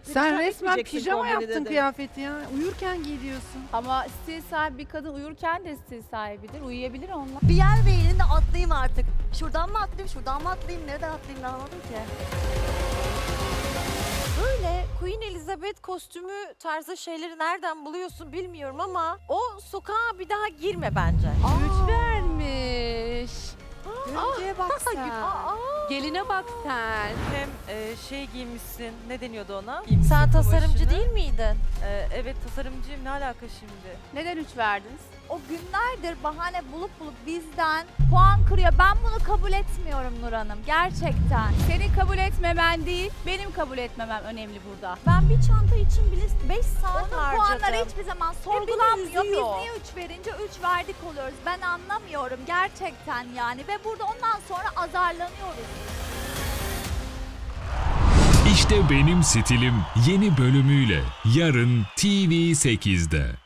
Sen resmen etmeyeceksin pijama kombini yaptın dedi. kıyafeti ya. Uyurken giyiyorsun. Ama stil sahibi bir kadın uyurken de stil sahibidir. Uyuyabilir onunla. Bir yer beğenin de atlayayım artık. Şuradan mı atlayayım, şuradan mı atlayayım, nereden atlayayım anlamadım ki. Böyle Queen Elizabeth kostümü tarzı şeyleri nereden buluyorsun bilmiyorum ama o sokağa bir daha girme bence. Güç vermiş. Görüntüye bak sen. Geline bak sen. Hem şey giymişsin, ne deniyordu ona? Sen tasarımcı kumaşını. değil miydin? Evet tasarımcıyım, ne alaka şimdi? Neden 3 verdiniz? O günlerdir bahane bulup bizden puan kırıyor. Ben bunu kabul etmiyorum Nur Hanım. Gerçekten. Senin kabul etmemen değil, benim kabul etmemem önemli burada. Ben bir çanta için bile 5 saat Onun harcadım. puanları Puanları hiçbir zaman sorgulanmıyor. Biz üzüyor. niye 3 verince 3 verdik oluyoruz. Ben anlamıyorum gerçekten yani. Ve burada ondan sonra azarlanıyoruz. İşte Benim Stilim yeni bölümüyle yarın TV8'de.